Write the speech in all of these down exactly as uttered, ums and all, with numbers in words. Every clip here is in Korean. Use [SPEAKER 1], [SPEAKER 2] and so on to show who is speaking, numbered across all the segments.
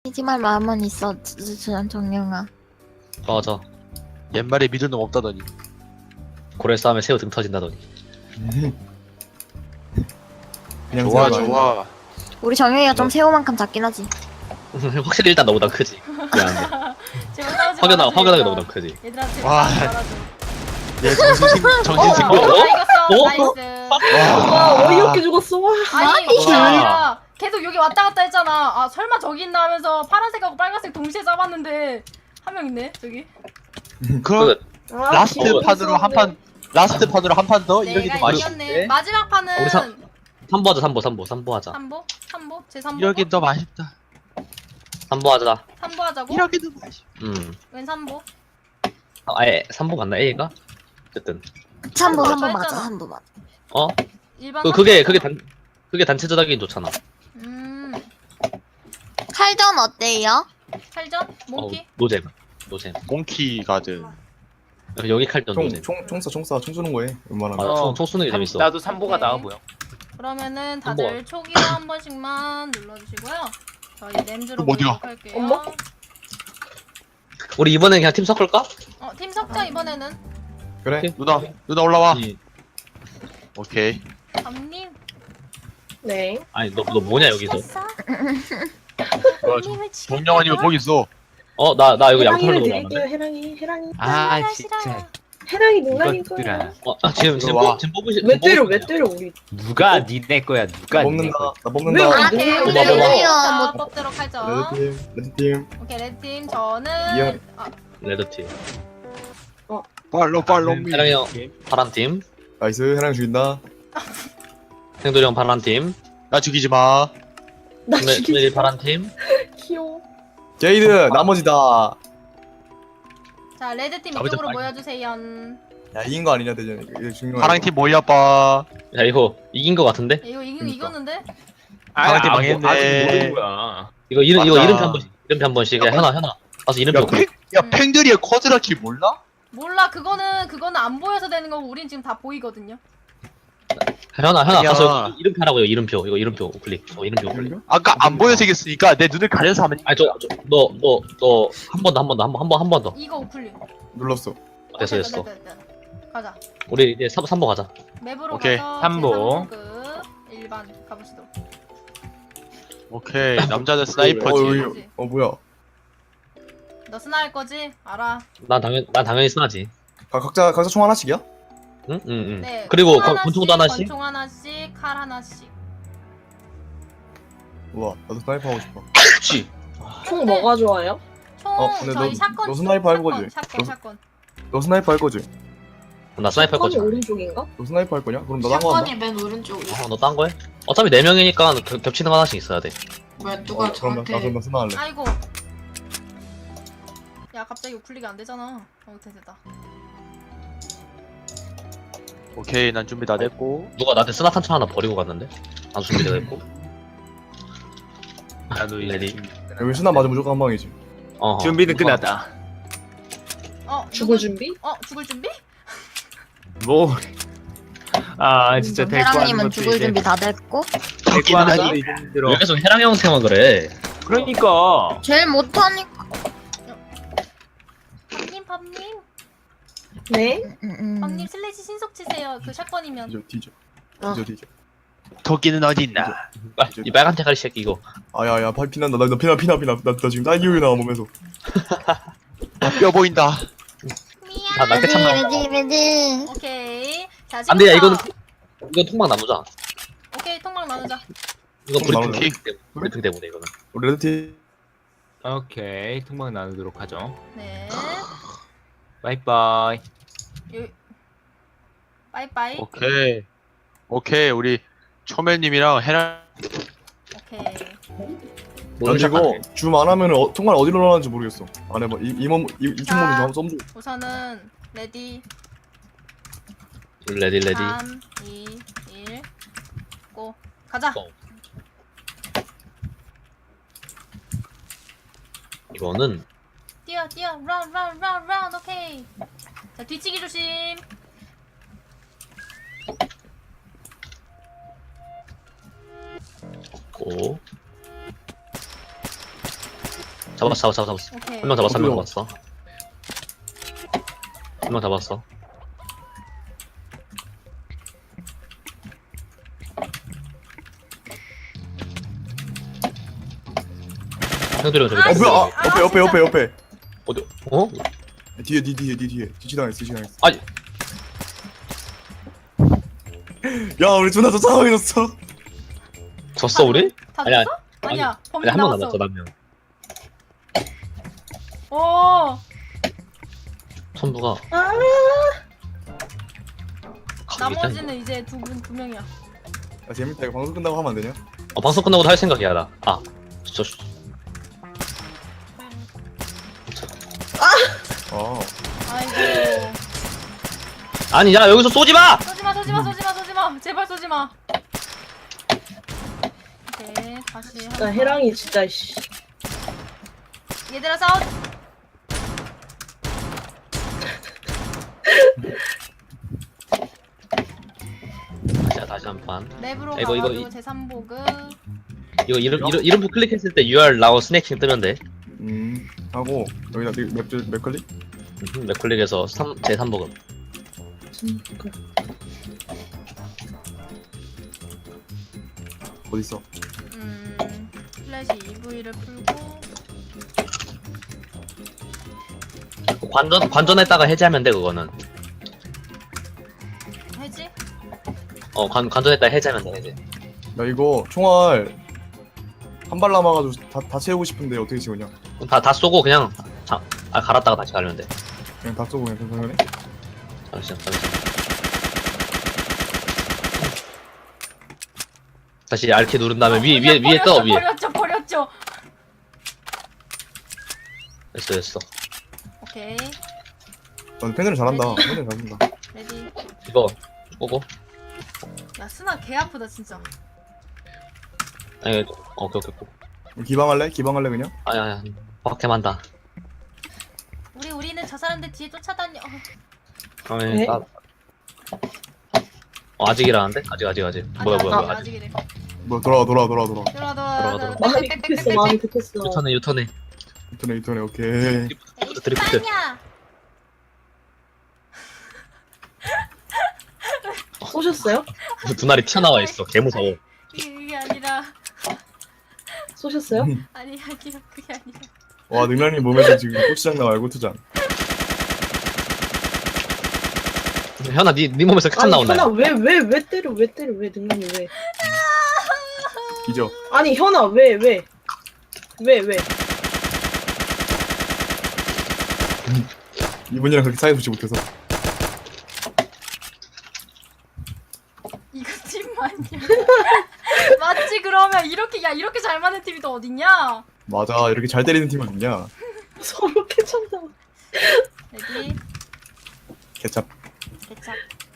[SPEAKER 1] 이지말 마음은 있어, 전 정영아.
[SPEAKER 2] 맞아.
[SPEAKER 3] 옛말에 믿을 놈 없다더니.
[SPEAKER 2] 고래 싸움에 새우 등 터진다더니.
[SPEAKER 4] 그냥
[SPEAKER 3] 좋아
[SPEAKER 4] 생각나.
[SPEAKER 3] 좋아.
[SPEAKER 1] 우리 정영이가 좀
[SPEAKER 2] 뭐?
[SPEAKER 1] 새우만큼 작긴 하지.
[SPEAKER 2] 확실히 일단 너보다 크지. 미안해.
[SPEAKER 5] 제발 싸우지
[SPEAKER 2] 확연하,
[SPEAKER 5] 말아줘,
[SPEAKER 2] 확연하게
[SPEAKER 5] 얘들아.
[SPEAKER 2] 너보다 크지.
[SPEAKER 5] 얘들아 제발
[SPEAKER 3] 와.
[SPEAKER 5] 싸우지 말아줘.
[SPEAKER 3] 얘 정신승 정신승.
[SPEAKER 2] 어?
[SPEAKER 5] 어? 나 이겼어.
[SPEAKER 2] 어?
[SPEAKER 5] 나이스.
[SPEAKER 6] 와 어이없게 죽었어. 와.
[SPEAKER 5] 아니 그게 아니라 계속 여기 왔다 갔다 했잖아. 아 설마 저기 있나 하면서 파란색하고 빨간색 동시에 잡았는데 한 명 있네 저기.
[SPEAKER 3] 그럼
[SPEAKER 6] 아,
[SPEAKER 3] 라스트
[SPEAKER 6] 기분
[SPEAKER 3] 판으로 한 판. 라스트 판으로 한 판 더 이러기도
[SPEAKER 5] 내가
[SPEAKER 3] 맛있.
[SPEAKER 5] 이겼네. 마지막 판은
[SPEAKER 2] 우리 사- 삼보 하자, 삼보, 삼보, 삼보 하자.
[SPEAKER 5] 삼보? 삼보? 제 삼보?
[SPEAKER 3] 이러기 더 맛있다.
[SPEAKER 2] 삼보 하자.
[SPEAKER 5] 삼보 하자고?
[SPEAKER 3] 이러기도 맛있.
[SPEAKER 2] 음.
[SPEAKER 5] 웬 삼보?
[SPEAKER 2] 아, 아예 삼보 맞나 A가? 어쨌든.
[SPEAKER 1] 한부
[SPEAKER 5] 한부
[SPEAKER 1] 한부 맞아,
[SPEAKER 5] 했잖아.
[SPEAKER 1] 한부 맞아.
[SPEAKER 2] 어?
[SPEAKER 5] 일반
[SPEAKER 2] 그 그게
[SPEAKER 5] 삼보?
[SPEAKER 2] 그게 단 그게 단체전 하긴 좋잖아.
[SPEAKER 5] 음
[SPEAKER 1] 칼전 어때요?
[SPEAKER 5] 칼전? 몽키?
[SPEAKER 2] 어, 노잼. 노잼.
[SPEAKER 3] 몽키 가드.
[SPEAKER 2] 여기 칼전 노잼.
[SPEAKER 4] 총총총쏴 총쏴 총 쏘는 거에 웬만하면.
[SPEAKER 2] 맞아.
[SPEAKER 7] 어.
[SPEAKER 2] 총, 총 쏘는 게 재밌어.
[SPEAKER 7] 나도 삼보가
[SPEAKER 5] 오케이.
[SPEAKER 7] 나와 보여.
[SPEAKER 5] 그러면은 다들 초기화 한 번씩만 눌러주시고요. 저희 램즈로
[SPEAKER 3] 그럼 어디가?
[SPEAKER 5] 보도록 할게요.
[SPEAKER 6] 엄마?
[SPEAKER 2] 우리 이번엔 그냥 팀 섞을까?
[SPEAKER 5] 어, 팀 섞자 이번에는.
[SPEAKER 4] 그래.
[SPEAKER 3] 누나 누나 올라와.
[SPEAKER 2] 이-
[SPEAKER 3] 오케이.
[SPEAKER 5] 밤님.
[SPEAKER 6] 네.
[SPEAKER 2] 아니 너 너 뭐냐 여기서?
[SPEAKER 3] 어, 동영아님은 거기 있어.
[SPEAKER 2] 어 나 나 이거 양털로
[SPEAKER 6] 해랑이를
[SPEAKER 2] 나왔는데.
[SPEAKER 6] 드릴게요. 해랑이 해랑이
[SPEAKER 7] 아 진짜
[SPEAKER 6] 해랑이 농락인
[SPEAKER 7] 이것들아.
[SPEAKER 6] 거야.
[SPEAKER 2] 어 아, 지금 지금
[SPEAKER 4] 들어와.
[SPEAKER 2] 뽑 지금 뽑으시.
[SPEAKER 6] 왜
[SPEAKER 2] 지금
[SPEAKER 6] 때려
[SPEAKER 2] 뽑으시면
[SPEAKER 6] 왜
[SPEAKER 2] 돼요.
[SPEAKER 6] 때려 우리.
[SPEAKER 7] 누가 니네 거야? 누가 니네
[SPEAKER 4] 먹는다.
[SPEAKER 7] 거야?
[SPEAKER 4] 나
[SPEAKER 6] 왜
[SPEAKER 4] 먹는다.
[SPEAKER 6] 우리
[SPEAKER 1] 아,
[SPEAKER 6] 누나
[SPEAKER 1] 네,
[SPEAKER 6] 거야?
[SPEAKER 1] 네,
[SPEAKER 2] 먹어, 먹어.
[SPEAKER 5] 자,
[SPEAKER 1] 뭐.
[SPEAKER 5] 뽑도록 하죠.
[SPEAKER 4] 레드팀 레드팀.
[SPEAKER 5] 오케이, 레드팀 저는
[SPEAKER 4] 이형.
[SPEAKER 5] 아,
[SPEAKER 2] 레드 팀.
[SPEAKER 3] 팔로 팔로 미.
[SPEAKER 2] 해랑이 형 파란 팀.
[SPEAKER 4] 나이스 해랑 죽인다.
[SPEAKER 2] 생돌이 형 파란 팀.
[SPEAKER 3] 나 죽이지 마.
[SPEAKER 6] 나
[SPEAKER 2] 스멜
[SPEAKER 6] 죽이지
[SPEAKER 2] 스멜이
[SPEAKER 6] 마.
[SPEAKER 2] 파란 팀.
[SPEAKER 6] 귀여워.
[SPEAKER 4] 게이드 나머지다.
[SPEAKER 5] 자, 레드팀
[SPEAKER 2] 아버지
[SPEAKER 5] 이쪽으로
[SPEAKER 2] 빨리.
[SPEAKER 5] 모여주세요.
[SPEAKER 4] 야 이긴 거 아니냐 대전. 이거 중요한.
[SPEAKER 3] 파랑 팀 모여봐.
[SPEAKER 2] 야 이거 이긴 거 같은데?
[SPEAKER 5] 이거 이거
[SPEAKER 4] 그러니까.
[SPEAKER 5] 이겼는데?
[SPEAKER 7] 아,
[SPEAKER 3] 파란팀
[SPEAKER 7] 아, 뭐,
[SPEAKER 3] 망했네.
[SPEAKER 7] 아직 모르는 거야.
[SPEAKER 2] 이거 이름 이거
[SPEAKER 3] 맞아.
[SPEAKER 2] 이름표 한 번씩 이름표 한 번씩. 야 현아 현아. 가서 이름표.
[SPEAKER 3] 야, 팽, 야 팽들이의 쿼드라키 몰라?
[SPEAKER 5] 몰라, 그거는 그거는 안 보여서 되는 거고 우린 지금 다 보이거든요.
[SPEAKER 2] 현아 현아
[SPEAKER 3] 아니야.
[SPEAKER 2] 가서 이름표 하라고요 이름표. 이거 이름표 우클릭. 어 이름표 우클릭.
[SPEAKER 3] 아까 안 보여서 이겼으니까 내 눈을 가려서 하면.
[SPEAKER 2] 아니 저너너 너 한 번 더 한 번 더 한 번 한 번 한 번 더.
[SPEAKER 5] 이거 우클릭.
[SPEAKER 4] 눌렀어.
[SPEAKER 2] 됐어
[SPEAKER 5] 오케이,
[SPEAKER 2] 됐어.
[SPEAKER 5] 됐다, 됐다, 됐다. 가자.
[SPEAKER 2] 우리 이제 삼 삼보 가자.
[SPEAKER 5] 맵으로
[SPEAKER 3] 오케이,
[SPEAKER 5] 가서
[SPEAKER 7] 삼보.
[SPEAKER 5] 제 일반 가보시도록.
[SPEAKER 3] 오케이 남자는
[SPEAKER 4] 어,
[SPEAKER 3] 스나이퍼지.
[SPEAKER 4] 어, 어 뭐야?
[SPEAKER 5] 너 스나 할 거지? 알아.
[SPEAKER 2] 난 당연 난 당연히 쓰나지.
[SPEAKER 4] 각- 각자 각자 총 하나씩이야?
[SPEAKER 2] 응? 응, 응.
[SPEAKER 5] 네.
[SPEAKER 2] 그리고
[SPEAKER 5] 총
[SPEAKER 2] 권- 권총도 하나씩?
[SPEAKER 5] 권총 하나씩, 칼 하나씩.
[SPEAKER 4] 우와 나도 스나이퍼 하고 싶어.
[SPEAKER 2] 그렇지.
[SPEAKER 6] 총 뭐가 좋아요?
[SPEAKER 5] 총
[SPEAKER 4] 어, 근데
[SPEAKER 5] 저희
[SPEAKER 4] 너-
[SPEAKER 5] 샷건.
[SPEAKER 4] 너 스나이퍼 할 거지?
[SPEAKER 5] 샷건,
[SPEAKER 4] 너-
[SPEAKER 5] 샷건.
[SPEAKER 4] 너 스나이퍼 할 거지?
[SPEAKER 2] 나 스나이퍼 할 거지.
[SPEAKER 6] 건 오른쪽인가?
[SPEAKER 4] 너 스나이퍼 할 거냐? 그럼 너 딴 거 한다.
[SPEAKER 8] 샷건이 맨 오른쪽이야.
[SPEAKER 2] 어, 너 딴 거해? 어차피 네 명이니까 겹- 겹치는 거 하나씩 있어야 돼.
[SPEAKER 8] 왜 누가
[SPEAKER 4] 어, 그럼 나, 나
[SPEAKER 8] 저한테
[SPEAKER 4] 그럼 나 스나 할래.
[SPEAKER 5] 아이고. 야, 갑자기 우클릭이 안 되잖아. 어, 됐다, 됐다.
[SPEAKER 3] 오케이 난 준비 다 됐고.
[SPEAKER 2] 누가 나한테 스나 탄창 하나 버리고 갔는데? 안 준비되어 있고.
[SPEAKER 7] 나도 이제
[SPEAKER 2] 레디.
[SPEAKER 7] 준비.
[SPEAKER 4] 여기 스나 맞으면 무조건 한 방이지.
[SPEAKER 2] 어.
[SPEAKER 7] 준비는 끝났다.
[SPEAKER 5] 어,
[SPEAKER 6] 죽을
[SPEAKER 5] 누구-
[SPEAKER 6] 준비?
[SPEAKER 5] 어, 죽을 준비?
[SPEAKER 7] 뭐? 아 진짜 데리고 하는
[SPEAKER 1] 해랑님은
[SPEAKER 7] 것도
[SPEAKER 1] 죽을
[SPEAKER 7] 이제
[SPEAKER 1] 준비 다 됐고.
[SPEAKER 7] 데리고 하는 것도 이제 힘들어.
[SPEAKER 2] 왜 계속 해랑 형한테만 그래?
[SPEAKER 7] 그러니까
[SPEAKER 1] 제일 못하니까.
[SPEAKER 5] 밥님, 밥님.
[SPEAKER 6] 네.
[SPEAKER 1] 응, 응.
[SPEAKER 5] 밥님 슬래시 신속 치세요. 그 샷건이면.
[SPEAKER 4] 뒤져 뒤져.
[SPEAKER 1] 어.
[SPEAKER 4] 뒤져 뒤져.
[SPEAKER 3] 토끼는 어디 있나?
[SPEAKER 2] 아, 이 빨간 대가리 새끼 이거.
[SPEAKER 4] 아야야 팔 피난다. 나, 나 피나 피나 피나. 나, 나 지금 딸기우유 나와 몸에서.
[SPEAKER 3] 아, 뼈 보인다.
[SPEAKER 2] 다 날개 참 나온다.
[SPEAKER 1] 레디 레디.
[SPEAKER 5] 오케이. 자,
[SPEAKER 2] 안 돼, 야 이거는
[SPEAKER 5] 지금부터-
[SPEAKER 2] 통- 이거 통만 나누자.
[SPEAKER 5] 오케이, 통막 나누자.
[SPEAKER 2] 이거
[SPEAKER 4] 통
[SPEAKER 2] 브리핑
[SPEAKER 4] 나누자.
[SPEAKER 2] 때문에 브리핑 때문에 이거는.
[SPEAKER 4] 우리 레드팀.
[SPEAKER 7] 오케이 통방 나누도록 하죠.
[SPEAKER 5] 네.
[SPEAKER 7] 바이바이.
[SPEAKER 5] 요... 빠이빠이.
[SPEAKER 3] 오케이. 오케이 우리 초멜님이랑 해랑.
[SPEAKER 5] 오케이.
[SPEAKER 2] 뭐
[SPEAKER 4] 난 이거 줌 안 하면 어, 정말 어디로 나가는지 모르겠어. 안 해봐. 이 이몸 이이몸 좀
[SPEAKER 5] 자.
[SPEAKER 4] 한번 써줘.
[SPEAKER 5] 우선은 레디
[SPEAKER 2] 레디 레디.
[SPEAKER 5] 삼, 이, 일 고. 가자.
[SPEAKER 2] 고. 이거는
[SPEAKER 5] 뛰어, 뛰어. 런, 런, 런, 런. 오케이. 자, 뒤치기 조심.
[SPEAKER 2] 고. 잡았어 잡았어 잡았어.
[SPEAKER 5] 오케이.
[SPEAKER 2] 한 명 잡았어 한 명
[SPEAKER 4] 어디요?
[SPEAKER 2] 잡았어. 한 명 잡았어. 형들이 저기
[SPEAKER 5] 아,
[SPEAKER 4] 어
[SPEAKER 5] 씨.
[SPEAKER 4] 뭐야? 아,
[SPEAKER 5] 아,
[SPEAKER 4] 옆에 옆에 옆에 옆에.
[SPEAKER 2] 어디? 어?
[SPEAKER 4] 뒤에 뒤 뒤에 뒤 뒤에 뒤치당했어 뒤치당했어.
[SPEAKER 2] 아니
[SPEAKER 4] 야 우리 존나 저 상황이었어.
[SPEAKER 2] 졌어 우리?
[SPEAKER 5] 다
[SPEAKER 2] 아니야,
[SPEAKER 5] 졌어? 아니야. 범인
[SPEAKER 2] 아니 한 명
[SPEAKER 5] 나왔어.
[SPEAKER 2] 남았어 한 명.
[SPEAKER 5] 오.
[SPEAKER 2] 선부가
[SPEAKER 6] 아,
[SPEAKER 2] 각이 있다니까.
[SPEAKER 5] 나머지는 이제 두 분 두 명이야.
[SPEAKER 4] 야 재밌다 이거 방송 끝나고 하면 안 되냐?
[SPEAKER 2] 어, 방송 끝나고도 할 생각이야 나. 아, 저
[SPEAKER 4] 아
[SPEAKER 5] 아이고.
[SPEAKER 2] 아니 야 여기서 쏘지 마.
[SPEAKER 5] 쏘지 마, 쏘지 마, 쏘지 마, 쏘지 마. 제발 쏘지 마. 오케이, 다시.
[SPEAKER 6] 나 해랑이 진짜 씨.
[SPEAKER 5] 얘들아 싸워.
[SPEAKER 2] 다시 다시 한 판.
[SPEAKER 5] 랩으로
[SPEAKER 2] 이거, 이거,
[SPEAKER 5] 가가지고
[SPEAKER 2] 이-
[SPEAKER 5] 제삼 보급.
[SPEAKER 2] 이거 이름 이름 이름표 클릭했을 때 유알 나오 스낵킹 뜨면 돼.
[SPEAKER 4] 음 하고 여기다 맵 맵클릭.
[SPEAKER 2] 음, 맥클릭에서 제 삼 버금.
[SPEAKER 4] 어디 있어?
[SPEAKER 5] 음, 플래시 이브이를 풀고.
[SPEAKER 2] 관전 관전했다가 해제하면 돼 그거는.
[SPEAKER 5] 해지?
[SPEAKER 2] 어 관 관전했다가 해제하면 돼 해제.
[SPEAKER 4] 야 이거 총알 한 발 남아가지고 다, 다 채우고 싶은데 어떻게 채우냐?
[SPEAKER 2] 다 다 쏘고 그냥 자, 아, 갈았다가 다시 가면 돼.
[SPEAKER 4] 그냥 다 쏘고 그냥 평평하네?
[SPEAKER 2] 잠시만 잠시만. 다시 알키 누른 다음에 위 위에 위에 떠 위에.
[SPEAKER 5] 버렸죠, 버렸죠.
[SPEAKER 2] 됐어 됐어.
[SPEAKER 5] 오케이,
[SPEAKER 4] 넌 펜을 잘한다. 펜을 잘한다.
[SPEAKER 5] 레디.
[SPEAKER 2] 이거 꼬고.
[SPEAKER 5] 야, 스나 개 아프다 진짜.
[SPEAKER 2] 아니 어, 오케이 오케이 꼬고.
[SPEAKER 4] 기방할래? 기방할래 그냥?
[SPEAKER 2] 아니 아니 박해만다.
[SPEAKER 5] 우리 우리는 저 사람들 뒤에 쫓아다녀. 어,
[SPEAKER 2] 아니
[SPEAKER 6] 네?
[SPEAKER 2] 나. 어, 아직이라는데? 아직 아직 아직. 뭐야
[SPEAKER 5] 아직,
[SPEAKER 2] 뭐야
[SPEAKER 5] 아직,
[SPEAKER 2] 뭐야 아직.
[SPEAKER 5] 아직이래.
[SPEAKER 4] 뭐 돌아와 돌아와 돌아와 돌아와.
[SPEAKER 5] 들어와, 들어와,
[SPEAKER 2] 들어가,
[SPEAKER 5] 들어와.
[SPEAKER 6] 마음이 급했어, 마음이 급했어.
[SPEAKER 2] 유턴해 유턴해.
[SPEAKER 4] 이터네 이터네 오케이.
[SPEAKER 5] 에이,
[SPEAKER 2] 드리프트.
[SPEAKER 5] 씨발이야.
[SPEAKER 6] 쏘셨어요?
[SPEAKER 2] 두 날이 튀어나와 있어. 개 무서워.
[SPEAKER 5] 이게, 이게 아니라,
[SPEAKER 6] 쏘셨어요?
[SPEAKER 5] 아니 아니라 그게 아니라.
[SPEAKER 4] 와 능란이 몸에서 지금 고추장 나와 알고투장.
[SPEAKER 2] 현아 니, 니 몸에서 칸
[SPEAKER 6] 아니
[SPEAKER 2] 나온다.
[SPEAKER 6] 현아 왜 왜 왜 때려 왜 때려 왜 능란이 왜?
[SPEAKER 4] 기죠.
[SPEAKER 6] 아니 현아 왜 왜? 왜 왜?
[SPEAKER 4] 이분이랑 그렇게 사이 좋지 못해서.
[SPEAKER 5] 이거 팀 맞냐? 맞지 그러면 이렇게 야 이렇게 잘 맞는 팀이 또 어딨냐?
[SPEAKER 4] 맞아 이렇게 잘 때리는 팀은 있냐?
[SPEAKER 6] 서로 캐쳤나?
[SPEAKER 5] 레디
[SPEAKER 4] 개찹.
[SPEAKER 5] 개착.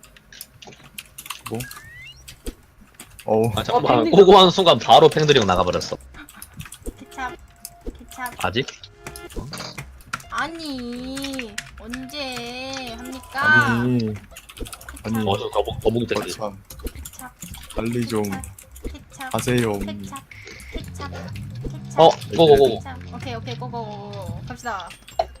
[SPEAKER 4] 어우
[SPEAKER 2] 아 잠깐만.
[SPEAKER 6] 어, 팬들이
[SPEAKER 2] 꼬고 하는 순간 바로 팽드리고 나가버렸어.
[SPEAKER 5] 개착. 개착.
[SPEAKER 2] 아직?
[SPEAKER 5] 아니 언제 합니까?
[SPEAKER 4] 아니 아니
[SPEAKER 2] 어, 저 거북, 거북이 새끼.
[SPEAKER 4] 참
[SPEAKER 5] 개착.
[SPEAKER 4] 빨리 좀
[SPEAKER 5] 개착.
[SPEAKER 4] 하세요.
[SPEAKER 5] 개착. 개착. 개착.
[SPEAKER 2] 어, 고고고.
[SPEAKER 5] 개착. 오케이 오케이 고고 갑시다.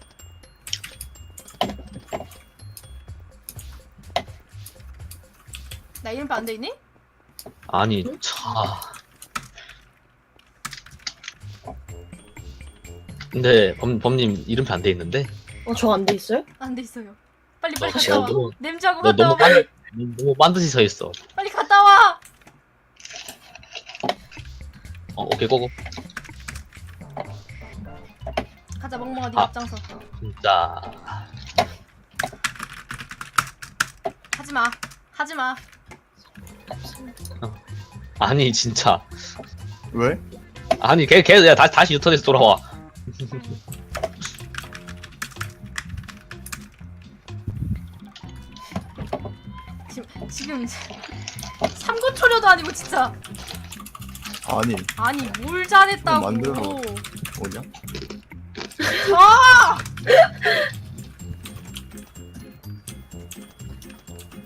[SPEAKER 5] 나 이름표 안 돼 있니?
[SPEAKER 2] 아니, 차. 근데 범, 범님 이름표 안 돼 있는데?
[SPEAKER 6] 어저 안 돼 있어요?
[SPEAKER 5] 안 돼 있어요. 빨리 빨리
[SPEAKER 2] 너
[SPEAKER 5] 갔다 와.
[SPEAKER 2] 너무-
[SPEAKER 5] 냄새하고
[SPEAKER 2] 너
[SPEAKER 5] 갔다
[SPEAKER 2] 너무
[SPEAKER 5] 와.
[SPEAKER 2] 빤, 너무 빤듯이 서 있어.
[SPEAKER 5] 빨리 갔다 와.
[SPEAKER 2] 어, 오케이, 고고.
[SPEAKER 5] 가자 멍멍아 네가
[SPEAKER 2] 아.
[SPEAKER 5] 앞장서.
[SPEAKER 2] 진짜.
[SPEAKER 5] 하지 마. 하지 마.
[SPEAKER 2] 아니, 진짜.
[SPEAKER 4] 왜?
[SPEAKER 2] 아니, 걔, 걔, 야, 다시, 다시 유턴해서 돌아와.
[SPEAKER 5] 지금 지금 삼고 초려도 아니고 진짜.
[SPEAKER 4] 아니
[SPEAKER 5] 아니 뭘 잘했다고.
[SPEAKER 4] 만들어. 뭐냐?
[SPEAKER 5] 아!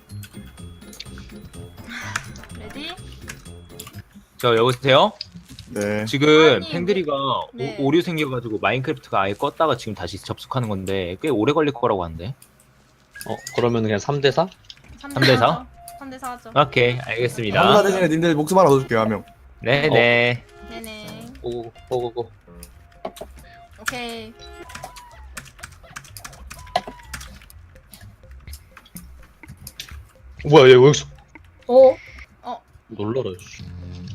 [SPEAKER 5] 레디?
[SPEAKER 7] 저 여보세요?
[SPEAKER 4] 네.
[SPEAKER 7] 지금
[SPEAKER 5] 아니,
[SPEAKER 7] 팽드리가
[SPEAKER 5] 네.
[SPEAKER 7] 오, 오류 생겨가지고 마인크래프트가 아예 껐다가 지금 다시 접속하는 건데 꽤 오래 걸릴 거라고 하는데.
[SPEAKER 2] 어 그러면 그냥 삼 대 사?
[SPEAKER 7] 삼 대 사?
[SPEAKER 5] 삼 대 사 하죠.
[SPEAKER 7] 오케이
[SPEAKER 4] 한사
[SPEAKER 7] 알겠습니다.
[SPEAKER 4] 대신에 님들 목숨 하나 얻어줄게요 한 명.
[SPEAKER 7] 네네.
[SPEAKER 5] 네네.
[SPEAKER 2] 오고 오고고.
[SPEAKER 5] 오케이.
[SPEAKER 2] 뭐야 얘 여기서
[SPEAKER 6] 어?
[SPEAKER 2] 놀라라. 씨.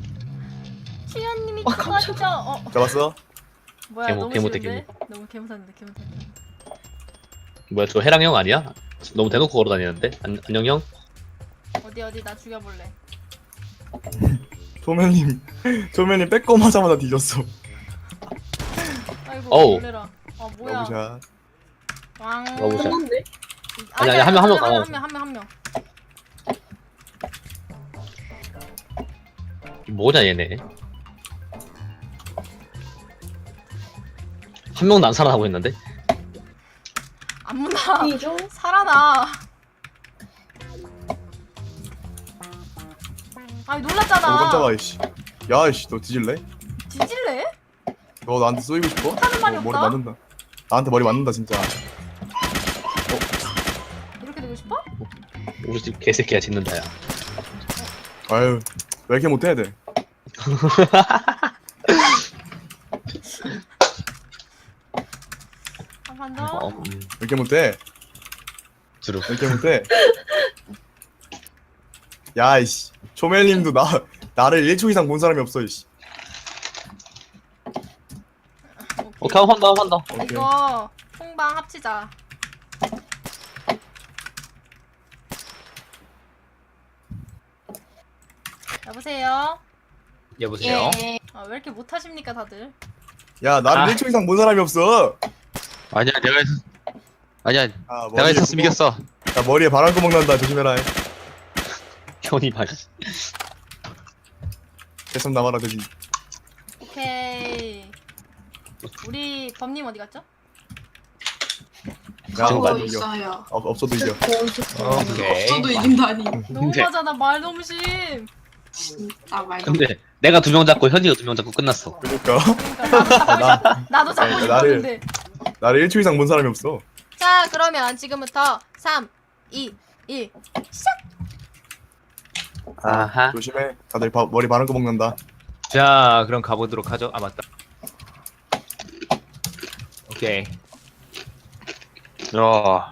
[SPEAKER 5] 시연님이
[SPEAKER 6] 아, 깜짝이야.
[SPEAKER 5] 죽었죠. 어.
[SPEAKER 4] 잡았어?
[SPEAKER 5] 뭐야
[SPEAKER 2] 개모-
[SPEAKER 5] 너무
[SPEAKER 2] 개모대,
[SPEAKER 5] 싫은데? 너무 개무산데 개무산데.
[SPEAKER 2] 뭐야 저 해랑 형 아니야? 너무 대놓고 걸어 다니는데? 안, 안녕 형?
[SPEAKER 5] 어디 어디 나 죽여볼래.
[SPEAKER 4] 조면님 조면님 빼꼼 하자마자 뒤졌어.
[SPEAKER 5] 아이고
[SPEAKER 2] 어우.
[SPEAKER 5] 놀래라. 아 뭐야.
[SPEAKER 4] 러브샷.
[SPEAKER 5] 왕.
[SPEAKER 2] 러브샷.
[SPEAKER 6] 끝났네?
[SPEAKER 2] 아니, 아니, 한 명, 한 명, 어.
[SPEAKER 5] 한명한명한 명.
[SPEAKER 2] 뭐냐 얘네. 한 명도 안 살아나고 있는데?
[SPEAKER 5] 안무나
[SPEAKER 6] 이죠?
[SPEAKER 5] 살아나. 아니
[SPEAKER 4] 어
[SPEAKER 5] 놀랐잖아.
[SPEAKER 4] 깜짝아 이씨. 야 이씨 너 뒤질래?
[SPEAKER 5] 뒤질래?
[SPEAKER 4] 너 나한테 쏘이고 싶어?
[SPEAKER 5] 하는 말이
[SPEAKER 4] 어, 머리
[SPEAKER 5] 없다.
[SPEAKER 4] 맞는다. 나한테 머리 맞는다 진짜.
[SPEAKER 5] 이렇게 되고 싶어?
[SPEAKER 2] 우리 집 개새끼야 짖는다 야.
[SPEAKER 4] 아유 왜 이렇게 못해 애들?
[SPEAKER 5] 한 판
[SPEAKER 2] 어,
[SPEAKER 5] 더.
[SPEAKER 2] 음,
[SPEAKER 4] 왜 이렇게 못해?
[SPEAKER 2] 주로.
[SPEAKER 4] 왜 이렇게 못해? 야 이씨 조멜님도 나 나를 일 초 이상 본 사람이 없어 이씨.
[SPEAKER 2] 오케이 한 번 더 한 번 더.
[SPEAKER 4] 오케이.
[SPEAKER 5] 이거 통방 합치자. 여보세요.
[SPEAKER 7] 여보세요.
[SPEAKER 1] 예.
[SPEAKER 5] 아, 왜 이렇게 못하십니까 다들?
[SPEAKER 4] 야 나를
[SPEAKER 7] 아.
[SPEAKER 4] 일 초 이상 본 사람이 없어.
[SPEAKER 3] 아니야 내가 있... 아니야
[SPEAKER 4] 아,
[SPEAKER 3] 내가
[SPEAKER 4] 머리에
[SPEAKER 3] 있었으면
[SPEAKER 4] 구멍-
[SPEAKER 3] 이겼어.
[SPEAKER 4] 나 머리에 바람구멍 난다 조심해라.
[SPEAKER 2] 현이 말.
[SPEAKER 4] 계속 나와라 대신.
[SPEAKER 5] 오케이. 우리 범님 어디 갔죠?
[SPEAKER 4] 야
[SPEAKER 2] 지금
[SPEAKER 4] 없어도
[SPEAKER 2] 가요.
[SPEAKER 4] 이겨.
[SPEAKER 1] 있어요.
[SPEAKER 4] 어, 없어도 이겨.
[SPEAKER 7] 오케이.
[SPEAKER 1] 저도 이긴다니.
[SPEAKER 5] 너무하잖아 말 너무 심.
[SPEAKER 1] 진짜 말.
[SPEAKER 2] 근데 내가 두 명 잡고 현이가 두 명 잡고 끝났어.
[SPEAKER 4] 그러니까
[SPEAKER 5] 그러니까 나도
[SPEAKER 4] 나
[SPEAKER 5] 잡고, 나도 잡고
[SPEAKER 4] 네,
[SPEAKER 5] 싶었는데.
[SPEAKER 4] 나를 일 초 이상 본 사람이 없어.
[SPEAKER 5] 자 그러면 지금부터 삼, 이, 일 시작.
[SPEAKER 2] 아하.
[SPEAKER 4] 조심해. 다들 바, 머리 바람구멍 난다.
[SPEAKER 7] 자 그럼 가보도록 하죠. 아 맞다. 오케이.
[SPEAKER 3] 야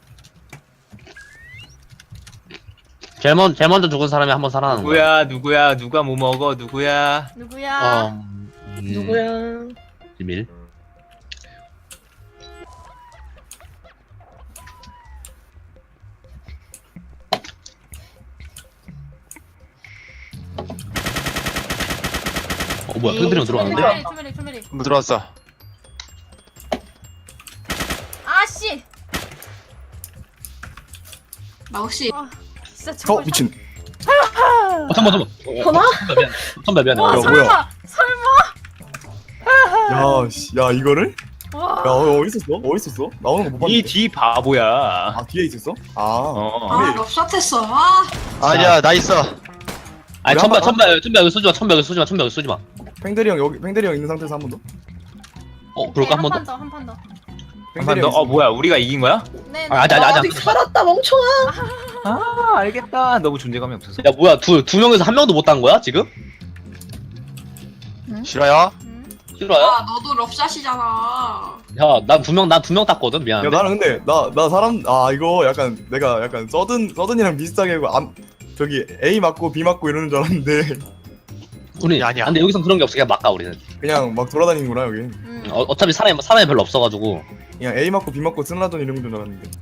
[SPEAKER 2] 제일, 먼, 제일 먼저 죽은 사람이 한 번 살아나는 거야.
[SPEAKER 7] 누구야 누구야 누가 뭐 먹어 누구야.
[SPEAKER 5] 누구야?
[SPEAKER 2] 음, 음,
[SPEAKER 6] 누구야?
[SPEAKER 2] 비밀. 어 뭐야 팬들이랑 들어왔는데?
[SPEAKER 5] 투메리 투메리 투메리.
[SPEAKER 3] 뭐 들어왔어.
[SPEAKER 5] 아씨.
[SPEAKER 1] 나 혹시
[SPEAKER 5] 아 진짜
[SPEAKER 4] 어
[SPEAKER 5] 저거.
[SPEAKER 4] 미친.
[SPEAKER 2] 어 잠깐만 잠깐만.
[SPEAKER 6] 전화?
[SPEAKER 2] 선배 미안해.
[SPEAKER 5] 와
[SPEAKER 4] 뭐야,
[SPEAKER 2] 어려워.
[SPEAKER 5] 설마 설마.
[SPEAKER 4] 야, 씨, 야 이거를?
[SPEAKER 5] 와.
[SPEAKER 4] 야 어, 어디 있었어? 어디 있었어? 나오는 거 못 봤는데.
[SPEAKER 7] 이 뒤 바보야.
[SPEAKER 4] 아 뒤에 있었어? 아.
[SPEAKER 7] 어.
[SPEAKER 1] 아 럽샷했어. 아
[SPEAKER 3] 아니야 나 있어.
[SPEAKER 2] 아니
[SPEAKER 4] 우리
[SPEAKER 2] 천배
[SPEAKER 4] 한 번-
[SPEAKER 2] 천배 천배 여기 쏘지 마. 천배 여기 쏘지 마. 천배 여기 쏘지 마.
[SPEAKER 4] 팽대리 형 여기 팽대리 형 있는 상태에서 한 번 더.
[SPEAKER 2] 어 그럴까 한 번 더?
[SPEAKER 5] 한판 더, 한 판 더.
[SPEAKER 7] 한 판 더. 어 뭐야 우리가 이긴 거야?
[SPEAKER 5] 네.
[SPEAKER 2] 아, 아직 아직 아직.
[SPEAKER 6] 아직 살았다 멍청아.
[SPEAKER 7] 아 알겠다. 너무 존재감이 없어서.
[SPEAKER 2] 야 뭐야 두 두 명에서 한 명도 못 딴 거야 지금?
[SPEAKER 3] 실화야?
[SPEAKER 5] 음.
[SPEAKER 2] 싫어요?
[SPEAKER 1] 아, 너도 럽샷이잖아.
[SPEAKER 2] 야난 두 명 난 두 명 땄거든
[SPEAKER 4] 야
[SPEAKER 2] 미안한데.
[SPEAKER 4] 나는 근데 나 나 사람 아 이거 약간 내가 약간 서든 서든이랑 비슷하게 하고 암 저기 A 맞고 B 맞고 이러는 줄 알았는데
[SPEAKER 2] 우리
[SPEAKER 3] 아니야.
[SPEAKER 2] 근데 여기선 그런 게 없어 그냥 막가 우리는.
[SPEAKER 4] 그냥 막 돌아다니는구나 여기.
[SPEAKER 5] 음.
[SPEAKER 2] 어, 어차피 사람이 사람이 별로 없어가지고.
[SPEAKER 4] 그냥 A 맞고 B 맞고 쓴라던 이런 줄 알았는데.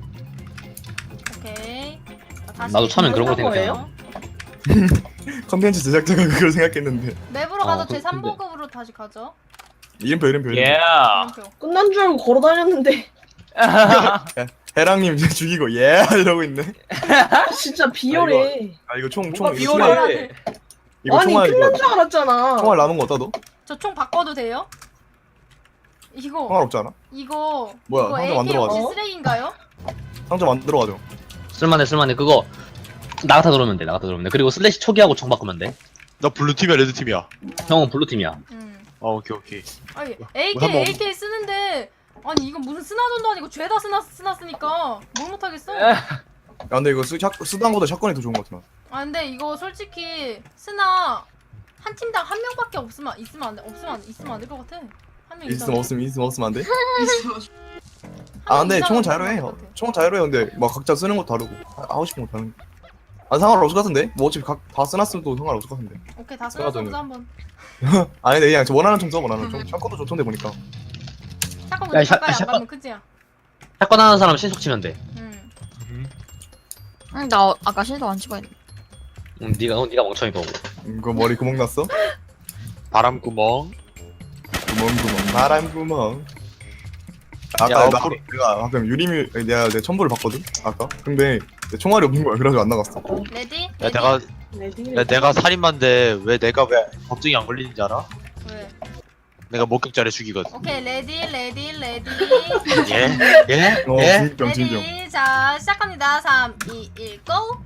[SPEAKER 5] 오케이. 자, 다시
[SPEAKER 2] 나도 처음엔 그런 걸
[SPEAKER 5] 맵으로
[SPEAKER 6] 생각해요.
[SPEAKER 4] 컨텐츠 제작자가 그걸 생각했는데.
[SPEAKER 5] 맵으로
[SPEAKER 2] 어,
[SPEAKER 5] 가서
[SPEAKER 2] 그-
[SPEAKER 5] 제 삼 보급으로 다시 가죠.
[SPEAKER 4] 이름표 이름표. 이름표.
[SPEAKER 7] 예.
[SPEAKER 5] 이름표.
[SPEAKER 6] 끝난 줄 알고 걸어 다녔는데.
[SPEAKER 4] 해랑님 이제 죽이고 예 이러고 있네.
[SPEAKER 6] 진짜 비열해.
[SPEAKER 4] 아 이거 총 총
[SPEAKER 7] 뭐가
[SPEAKER 4] 이거 총알
[SPEAKER 7] 비열해.
[SPEAKER 4] 이거
[SPEAKER 6] 아니
[SPEAKER 4] 총알
[SPEAKER 6] 끝난
[SPEAKER 4] 이거
[SPEAKER 6] 줄 알았잖아.
[SPEAKER 4] 총알 남은 거 어디다 둬?
[SPEAKER 5] 저 총 바꿔도 돼요? 이거
[SPEAKER 4] 총알 없지 않아?
[SPEAKER 5] 이거
[SPEAKER 4] 뭐야,
[SPEAKER 5] 이거
[SPEAKER 4] 상자
[SPEAKER 5] 에이케이
[SPEAKER 4] 만들어
[SPEAKER 5] 혹시
[SPEAKER 6] 가자.
[SPEAKER 5] 쓰레기인가요?
[SPEAKER 4] 상자 만들어 가죠.
[SPEAKER 2] 쓸만해 쓸만해 그거 나가타 들어오면 돼 나가타 들어오면 돼. 그리고 슬래시 초기하고 총 바꾸면 돼.
[SPEAKER 3] 나 블루팀이야 레드팀이야?
[SPEAKER 2] 형은 블루팀이야.
[SPEAKER 5] 음.
[SPEAKER 3] 어 오케이 오케이.
[SPEAKER 5] 아니
[SPEAKER 3] 뭐
[SPEAKER 5] 에이케이
[SPEAKER 3] 한번-
[SPEAKER 5] 에이케이 쓰는데 아니 이건 무슨 스나존도 아니고 죄다 스나 스나 쓰니까 뭘 못하겠어.
[SPEAKER 4] 야 근데 이거 쓰, 샷, 쓰단보다 샷건이 더 좋은 것 같아.
[SPEAKER 5] 아 근데 이거 솔직히 스나 한 팀당 한 명밖에 없으면 있으면 안 돼. 없으면 안, 있으면 안 될 것 같아. 한 명
[SPEAKER 4] 있으면 없으면 있으면 없으면 안 돼?
[SPEAKER 1] 있어.
[SPEAKER 4] 아 근데 총은 자유로해. 총은 자유로해. 근데 막 각자 쓰는 거 다르고 하- 하고 싶은 거 다른. 아 상관없을 것 같은데? 뭐 어차피 각, 다 써놨으면 또 상관없을 것 같은데.
[SPEAKER 5] 오케이 다
[SPEAKER 4] 스나존은.
[SPEAKER 5] 쓰면서 한번.
[SPEAKER 4] 아니 근데 그냥 저 원하는 총 써. 원하는 총. 샷건도 좋던데 보니까.
[SPEAKER 5] 샷건
[SPEAKER 2] 야,
[SPEAKER 5] 근데
[SPEAKER 2] 샷-
[SPEAKER 5] 가까이 안
[SPEAKER 2] 샷건-
[SPEAKER 5] 가면 크지야.
[SPEAKER 2] 샷건 하는 사람 신속 치면 돼.
[SPEAKER 5] 음.
[SPEAKER 8] 응, 나 아까 실도 안 찍어야 돼.
[SPEAKER 2] 응, 네가 어, 네가 멍청이고.
[SPEAKER 4] 이거 머리 구멍 났어?
[SPEAKER 3] 바람구멍.
[SPEAKER 4] 구멍 구멍. 바람 구멍. 아까
[SPEAKER 3] 야,
[SPEAKER 4] 나,
[SPEAKER 3] 앞으로-
[SPEAKER 4] 내가 방금 유리미 내가 내 첨부를 봤거든. 아까. 근데 내 총알이 없는 거야. 그래가지고 안 나갔어.
[SPEAKER 5] 레디?
[SPEAKER 3] 야
[SPEAKER 5] 레디?
[SPEAKER 3] 내가
[SPEAKER 6] 레디.
[SPEAKER 3] 야, 내가 살인마인데 왜 내가 왜 법정이 안 걸리는지 알아?
[SPEAKER 5] 왜?
[SPEAKER 3] 내가 목격자를 죽이거든.
[SPEAKER 5] 오케이 레디 레디 레디.
[SPEAKER 3] 예? 예?
[SPEAKER 4] 어
[SPEAKER 3] 예?
[SPEAKER 4] 진정 진정.
[SPEAKER 5] 레디 자 시작합니다. 삼, 이, 일, 고!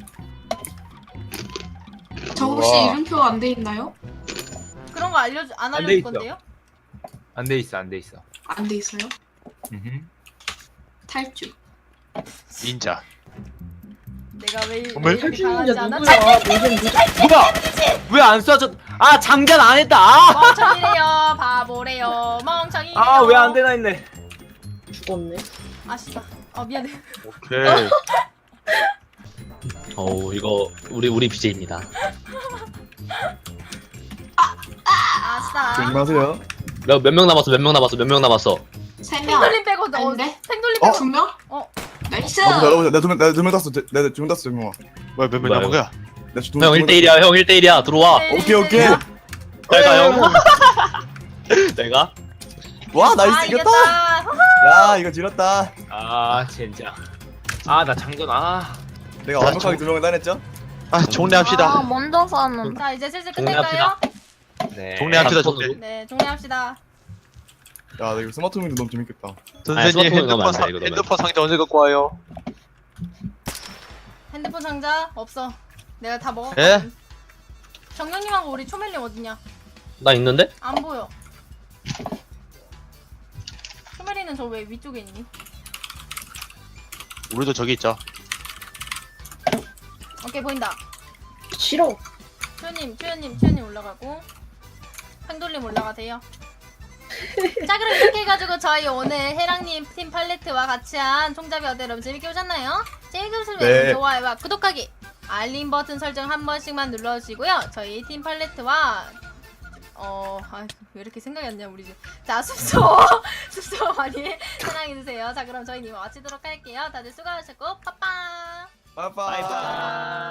[SPEAKER 1] 저 혹시
[SPEAKER 4] 우와.
[SPEAKER 1] 이름표 안 돼 있나요?
[SPEAKER 5] 그런 거 알려주 안
[SPEAKER 7] 안
[SPEAKER 5] 알려줄
[SPEAKER 7] 돼 있어.
[SPEAKER 5] 건데요?
[SPEAKER 7] 안 돼 있어 안 돼 있어.
[SPEAKER 1] 안 돼 있어요?
[SPEAKER 7] 음흠.
[SPEAKER 1] 탈주.
[SPEAKER 3] 닌자.
[SPEAKER 5] 내가 왜, 왜
[SPEAKER 3] 정말?
[SPEAKER 5] 이렇게 강하지
[SPEAKER 6] 탈출인자
[SPEAKER 5] 않아?
[SPEAKER 6] 누구야? 요즘 누구?
[SPEAKER 7] 뭐야? 왜 안 쏴줘? 아 장전 안 했다. 아,
[SPEAKER 5] 멍청이래요 바보래요 멍청이.
[SPEAKER 7] 아 왜 안 되나 했네.
[SPEAKER 6] 죽었네.
[SPEAKER 5] 아 씨발. 아 미안해.
[SPEAKER 3] 오케이.
[SPEAKER 2] 어우 이거 우리 우리 비제이입니다.
[SPEAKER 5] 아싸.
[SPEAKER 4] 조심하세요.
[SPEAKER 2] 몇 몇 명 남았어? 몇 명 남았어? 몇 명 남았어?
[SPEAKER 1] 세 명.
[SPEAKER 5] 팽돌림 빼고 너
[SPEAKER 1] 아닌데?
[SPEAKER 5] 팽돌림
[SPEAKER 4] 어?
[SPEAKER 5] 빼고
[SPEAKER 1] 두 명?
[SPEAKER 5] 어.
[SPEAKER 1] 나이스.
[SPEAKER 4] 아 보자 보자. 내두명 내가 두명 땄어. 내가 두명 땄어 정영아.
[SPEAKER 3] 뭐야 몇명
[SPEAKER 2] 뭐야,
[SPEAKER 3] 남은 거야?
[SPEAKER 2] 형 일 대 일이야. 형 일 대 일이야. 들어와.
[SPEAKER 5] 네,
[SPEAKER 4] 오케이 오케이.
[SPEAKER 5] 네,
[SPEAKER 2] 내가 형. 내가?
[SPEAKER 4] 와
[SPEAKER 5] 아
[SPEAKER 4] 나이스 이겼다.
[SPEAKER 5] 이겼다.
[SPEAKER 4] 야 이거 지렸다.
[SPEAKER 7] 아 진짜. 아 나 장전 아.
[SPEAKER 4] 내가
[SPEAKER 3] 자,
[SPEAKER 4] 완벽하게
[SPEAKER 3] 정-
[SPEAKER 4] 두 명을 따냈죠?
[SPEAKER 3] 아 종례합시다.
[SPEAKER 8] 아, 먼저 샀는데.
[SPEAKER 5] 자 이제 슬슬 끝낼까요?
[SPEAKER 7] 네.
[SPEAKER 3] 종례합시다
[SPEAKER 2] 손으로.
[SPEAKER 3] 종례.
[SPEAKER 5] 네 종료합시다.
[SPEAKER 4] 야 나 이거 스마트 홈도 너무 재밌겠다.
[SPEAKER 3] 선생님
[SPEAKER 2] 스마트폰 넣으면
[SPEAKER 3] 핸드폰,
[SPEAKER 2] 안 돼,
[SPEAKER 3] 상,
[SPEAKER 2] 이거 넣으면.
[SPEAKER 3] 핸드폰 상자 언제 갖고 와요?
[SPEAKER 5] 핸드폰 상자 없어. 내가 다
[SPEAKER 3] 예?
[SPEAKER 5] 먹었거든. 정영님하고 우리 초멜님 어딨냐?
[SPEAKER 2] 나 있는데?
[SPEAKER 5] 안 보여. 초멜이는 저 왜 위쪽에 있니?
[SPEAKER 3] 우리도 저기 있죠.
[SPEAKER 5] 오케이 보인다.
[SPEAKER 6] 싫어.
[SPEAKER 5] 추현님, 추현님, 추현님 올라가고 팽돌림 올라가세요. 자 그럼 이렇게 해가지고 저희 오늘 해랑님 팀 팔레트와 같이 한 총잡이 어때 여러분 재밌게 보셨나요? 재밌게 보시면
[SPEAKER 4] 네.
[SPEAKER 5] 좋아요와 구독하기 알림 버튼 설정 한 번씩만 눌러주시고요. 저희 팀 팔레트와 어... 아, 왜 이렇게 생각이 안 나 우리 집. 자 숲소 숲소 많이 사랑해주세요. 자 그럼 저희 이만 마치도록 할게요. 다들 수고하셨고 빠빠.
[SPEAKER 4] 빠이빠이.